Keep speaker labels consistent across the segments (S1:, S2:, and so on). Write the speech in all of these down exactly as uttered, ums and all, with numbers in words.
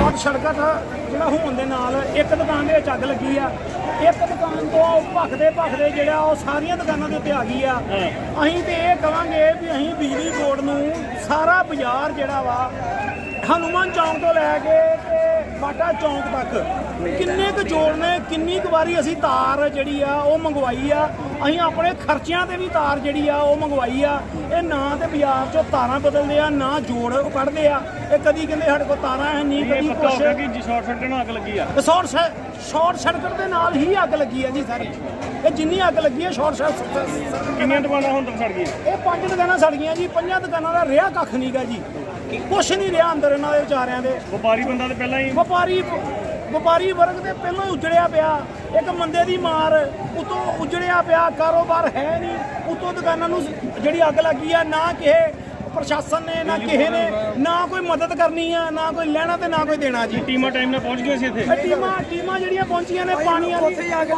S1: Short circuit ਜਿਹੜਾ ਹੋਣ ਦੇ ਨਾਲ ਇੱਕ ਦੁਕਾਨ ਦੇ ਵਿੱਚ ਅੱਗ ਲੱਗੀ ਆ। ਇੱਕ ਦੁਕਾਨ ਤੋਂ ਭਖਦੇ ਭਖਦੇ ਜਿਹੜਾ ਉਹ ਸਾਰੀਆਂ ਦੁਕਾਨਾਂ ਦੇ ਉੱਤੇ ਆ ਗਈ ਆ। ਅਸੀਂ ਤੇ ਇਹ ਕਹਾਂਗੇ ਵੀ ਅਸੀਂ ਬਿਜਲੀ ਬੋਰਡ ਨੂੰ ਸਾਰਾ ਬਾਜ਼ਾਰ ਜਿਹੜਾ ਵਾ ਹਨੂੰਮਾਨ ਚੌਂਕ ਤੋਂ ਲੈ ਕੇ ਤੇ ਬਾਟਾ ਚੌਂਕ ਤੱਕ ਕਿੰਨੇ ਕੁ ਜੋੜ ਨੇ, ਕਿੰਨੀ ਕੁ ਵਾਰੀ ਅਸੀਂ ਤਾਰ ਜਿਹੜੀ ਆ ਉਹ ਮੰਗਵਾਈ ਆ। ਅਸੀਂ ਆਪਣੇ ਖਰਚਿਆਂ ਤੇ ਵੀ ਤਾਰ ਜਿਹੜੀ ਆ ਉਹ ਮੰਗਵਾਈ ਆ। ਇਹ ਨਾ ਤੇ ਬਾਜ਼ਾਰ ਚੋਂ ਤਾਰਾਂ ਬਦਲਦੇ ਆ, ਨਾ ਜੋੜ ਉਹ ਕੱਢਦੇ ਆ। ਇਹ ਕਦੀ ਕਹਿੰਦੇ ਸਾਡੇ ਕੋਲ ਤਾਰਾਂ ਹੈ ਨਹੀਂ, ਕਦੀ ਕੁਛ
S2: ਕਿ ਸ਼ਾਰਟ ਸਰਕਟ ਨਾਲ ਅੱਗ ਲੱਗੀ ਆ।
S1: ਸ਼ਾਰਟ ਸ਼ਾਰਟ ਸਰਕਟ ਦੇ ਨਾਲ ਹੀ ਅੱਗ ਲੱਗੀ ਆ ਜੀ ਸਾਰੀ। ਇਹ ਜਿੰਨੀ ਅੱਗ ਲੱਗੀ ਆ ਸ਼ਾਰਟ ਸਰਕਟ।
S2: ਕਿੰਨੀਆਂ ਦੁਕਾਨਾਂ ਹੁਣ ਤੱਕ ਸੜ ਗਈਆਂ?
S1: ਇਹ ਪੰਜ ਦੁਕਾਨਾਂ ਸੜ ਗਈਆਂ ਜੀ। ਪੰਜਾਂ ਦੁਕਾਨਾਂ ਦਾ ਰਿਹਾ ਕੱਖ ਨਹੀਂਗਾ ਜੀ, ਕੁਛ ਨਹੀਂ ਰਿਹਾ ਅੰਦਰ ਇਹਨਾਂ ਦੇ ਵਿਚਾਰਿਆਂ ਦੇ।
S2: ਵਪਾਰੀ ਬੰਦਾ ਤੇ ਪਹਿਲਾਂ ਹੀ
S1: ਵਪਾਰੀ ਵਪਾਰੀ ਵਰਗ ਤੇ ਪਹਿਲਾਂ ਹੀ ਉਜੜਿਆ ਪਿਆ। ਇੱਕ ਮੰਦੇ ਦੀ ਮਾਰ ਉਤੋਂ ਉਜੜਿਆ ਪਿਆ, ਕਾਰੋਬਾਰ ਹੈ ਨਹੀਂ। ਉਤੋਂ ਦੁਕਾਨਾਂ ਨੂੰ ਜਿਹੜੀ ਅੱਗ ਲੱਗੀ ਆ, ਨਾ ਕਿਸੇ ਪ੍ਰਸ਼ਾਸਨ ਨੇ ਨਾ ਕਿਸੇ ਨੇ ਨਾ ਕੋਈ ਮਦਦ ਕਰਨੀ ਆ, ਨਾ ਕੋਈ ਲੈਣਾ ਤੇ ਨਾ ਕੋਈ ਦੇਣਾ ਜੀ।
S2: ਟੀਮਾਂ ਟਾਈਮ ਨਾਲ ਪਹੁੰਚ ਗਈਆਂ ਸੀ ਇੱਥੇ।
S1: ਇਹ ਟੀਮਾਂ ਟੀਮਾਂ ਜਿਹੜੀਆਂ ਪਹੁੰਚੀਆਂ ਨੇ ਪਾਣੀ ਵਾਲੀ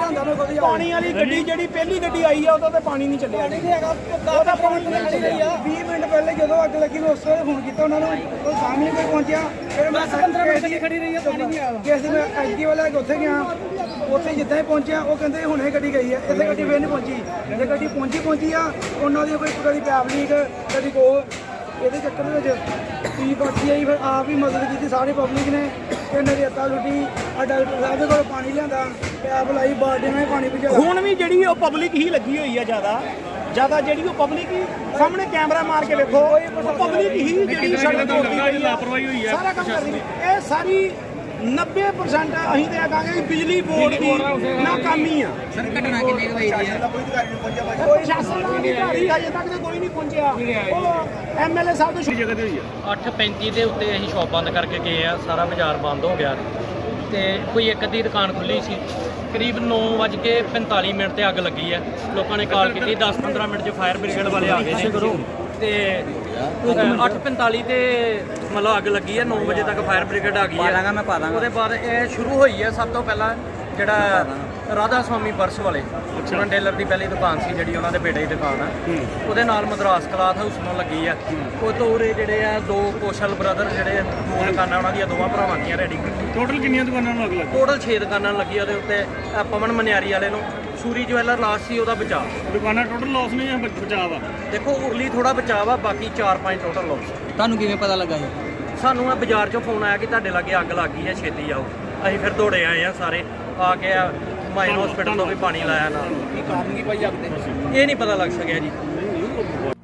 S1: ਪਾਣੀ ਵਾਲੀ ਗੱਡੀ ਜਿਹੜੀ ਪਹਿਲੀ ਗੱਡੀ ਆਈ ਆ ਉਹਦਾ ਤੇ ਪਾਣੀ ਨਹੀਂ ਚੱਲਿਆ ਜੀ। ਉਹਦਾ ਪਾਣੀ ਨਹੀਂ ਚੱਲਿਆ।
S3: ਵੀਹ ਮਿੰਟ ਪਹਿਲੇ ਜਦੋਂ ਅੱਗ ਲੱਗੀ ਮੈਂ ਉਸ ਵੇਲੇ ਫੋਨ ਕੀਤਾ ਉਹਨਾਂ ਨੂੰ, ਉਹ ਸਾਹਮਣੇ ਕੋਈ ਪਹੁੰਚਿਆ। ਫਿਰ ਮੈਂ ਪੰਦਰਾਂ ਮਿੰਟ ਖੜੀ ਰਹੀ ਆ, ਪਾਣੀ ਨਹੀਂ ਆਇਆ। ਕਿ ਅਸੀਂ ਮੈਂ ਐਸਡੀ ਵਾਲਾ ਉੱਥੇ ਗਿਆ, ਉੱਥੇ ਜਿੱਦਾਂ ਹੀ ਪਹੁੰਚਿਆ ਉਹ ਕਹਿੰਦੇ ਹੁਣੇ ਗੱਡੀ ਗਈ ਹੈ, ਇੱਥੇ ਗੱਡੀ ਫੇਰ ਨਹੀਂ ਪਹੁੰਚੀ। ਜੇ ਗੱਡੀ ਪਹੁੰਚੀ ਪਹੁੰਚੀ ਆ ਉਹਨਾਂ ਦੀ ਕੋਈ ਕਦੀ ਪੈਪ ਲੀਕ ਕਦੀ ਕੋ ਇਹਦੇ ਚੱਕਰ ਦੇ ਵਿੱਚ ਕੀ ਬਾਕੀ ਆਈ। ਫਿਰ ਆਪ ਹੀ ਮਦਦ ਕੀਤੀ ਸਾਰੀ ਪਬਲਿਕ ਨੇ। ਇਹਨਾਂ ਦੀ ਅੱਤਾ ਲੁੱਟੀ, ਆ ਡਾਕਟਰ ਸਾਹਿਬ ਦੇ ਕੋਲ ਪਾਣੀ ਲਿਆਂਦਾ, ਪੈਪ ਲਾਈ, ਬਾਲਟੀ ਨਾਲ ਪਾਣੀ ਭਜਾਇਆ।
S1: ਹੁਣ ਵੀ ਜਿਹੜੀ ਉਹ ਪਬਲਿਕ ਹੀ ਲੱਗੀ ਹੋਈ ਆ ਜ਼ਿਆਦਾ ਜ਼ਿਆਦਾ ਜਿਹੜੀ ਉਹ ਪਬਲਿਕ ਹੀ ਸਾਹਮਣੇ ਕੈਮਰਾ ਮਾਰ ਕੇ ਵੇਖੋ, ਪਬਲਿਕ ਹੀ ਜਿਹੜੀ ਸੜਕ ਤੋੜਦੀ ਹੋਈ ਆ,
S2: ਲਾਪਰਵਾਹੀ ਹੋਈ ਆ
S1: ਸਾਰਾ ਕੰਮ ਕਰਦੀ। ਇਹ ਸਾਰੀ ਨੱਬੇ ਪਰਸੈਂਟ ਅਸੀਂ ਤੇ ਕਹਾਂਗੇ ਕਿ ਬਿਜਲੀ ਬੋਰਡ ਦੀ ਨਾਕਾਮੀ ਆ।
S4: ਸਰ ਘਟਨਾ ਕਿੰਨੇ ਕੁ ਵਜੇ ਦੀ ਹੈ?
S1: ਪ੍ਰਸ਼ਾਸਨ ਦਾ ਅਧਿਕਾਰੀ ਹਜੇ ਤੱਕ ਤੇ ਕੋਈ ਨਹੀਂ ਪਹੁੰਚਿਆ। ਉਹ ਐਮਐਲਏ ਸਾਹਿਬ ਤੋਂ
S2: ਜਗ੍ਹਾ ਤੇ ਹੋਈ ਆ।
S5: ਅੱਠ ਪੈਂਤੀ ਦੇ ਉੱਤੇ ਅਸੀਂ ਸ਼ੌਪ ਬੰਦ ਕਰਕੇ ਗਏ ਆ, ਸਾਰਾ ਬਾਜ਼ਾਰ ਬੰਦ ਹੋ ਗਿਆ ਤੇ ਕੋਈ ਇੱਕ ਅੱਧੀ ਦੁਕਾਨ ਖੁੱਲੀ ਸੀ। ਕਰੀਬ ਨੌ ਵੱਜ ਕੇ ਪੰਤਾਲੀ ਮਿੰਟ ਤੇ ਅੱਗ ਲੱਗੀ ਹੈ। ਲੋਕਾਂ ਨੇ ਕਾਲ ਕੀਤੀ, ਦਸ ਪੰਦਰਾਂ ਮਿੰਟ 'ਚ ਫਾਇਰ ਬ੍ਰਿਗੇਡ ਵਾਲੇ ਆ ਗਏ ਨੇ ਤੇ ਅੱਠ ਪੰਤਾਲੀ ਤੇ ਮਤਲਬ ਅੱਗ ਲੱਗੀ ਹੈ। ਨੌ ਵਜੇ ਤੱਕ ਫਾਇਰ ਬ੍ਰਿਗੇਡ ਆ ਗਈ ਹੈ।
S4: ਮੈਂ ਪਾ ਦਾਂਗਾ।
S5: ਉਹਦੇ ਬਾਅਦ ਇਹ ਸ਼ੁਰੂ ਹੋਈ ਹੈ। ਸਭ ਤੋਂ ਪਹਿਲਾਂ ਜਿਹੜਾ ਰਾਧਾ ਸਵਾਮੀ ਪਰਸ ਵਾਲੇ ਚਰਨ ਟੇਲਰ ਦੀ ਪਹਿਲੀ ਦੁਕਾਨ ਸੀ ਜਿਹੜੀ ਉਹਨਾਂ ਦੇ ਬੇਟੇ ਦੀ ਦੁਕਾਨ ਆ, ਉਹਦੇ ਨਾਲ ਮਦਰਾਸ ਕਲਾਥ ਹਾਊਸ ਨੂੰ ਲੱਗੀ ਆ। ਉਹ ਤੋਂ ਉਰੇ ਜਿਹੜੇ ਆ ਦੋ ਕੋਸ਼ਲ ਬ੍ਰਦਰ ਜਿਹੜੇ ਦੋ ਦੁਕਾਨਾਂ ਉਹਨਾਂ ਦੀਆਂ ਦੋਵਾਂ ਭਰਾਵਾਂ ਦੀਆਂ ਰੈਡੀ।
S2: ਟੋਟਲ ਕਿੰਨੀਆਂ ਦੁਕਾਨਾਂ ਨੂੰ ਅੱਗ ਲੱਗੀ?
S5: ਟੋਟਲ ਛੇ ਦੁਕਾਨਾਂ ਲੱਗੀਆਂ ਉਹਦੇ ਉੱਤੇ। ਆਹ ਪਵਨ ਮਨਿਆਰੀ ਵਾਲੇ ਨੂੰ ਸੂਰੀ ਜਵੈਲਰ ਲਾਸਟ ਸੀ, ਉਹਦਾ ਬਚਾਅ।
S2: ਦੁਕਾਨਾਂ ਟੋਟਲ ਲਾਸ ਨੇ ਜਾਂ ਬਚਾਅ ਵਾ?
S5: ਦੇਖੋ ਉਰਲੀ ਥੋੜਾ ਬਚਾਅ ਵਾ, ਬਾਕੀ ਚਾਰ ਪੰਜ ਟੋਟਲ ਲਾਸ।
S4: ਤੁਹਾਨੂੰ ਕਿਵੇਂ ਪਤਾ ਲੱਗਾ ਇਹ?
S5: ਸਾਨੂੰ ਆ ਬਾਜ਼ਾਰ ਚੋਂ ਫੋਨ ਆਇਆ ਕਿ ਤੁਹਾਡੇ ਲਾਗੇ ਅੱਗ ਲੱਗ ਗਈ ਹੈ, ਛੇਤੀ ਆਓ। ਅਸੀਂ ਫਿਰ ਦੌੜੇ ਆਏ ਆ ਸਾਰੇ, ਆ ਕੇ ਮਾਈਨ ਹਸਪੀਟਲ ਤੋਂ ਵੀ ਪਾਣੀ ਲਾਇਆ ਨਾਲ।
S4: ਕੀ ਕਾਰਨ ਕੀ ਭਾਈ ਅੱਗ ਦੇ?
S5: ਇਹ ਨਹੀਂ ਪਤਾ ਲੱਗ ਸਕਿਆ ਜੀ।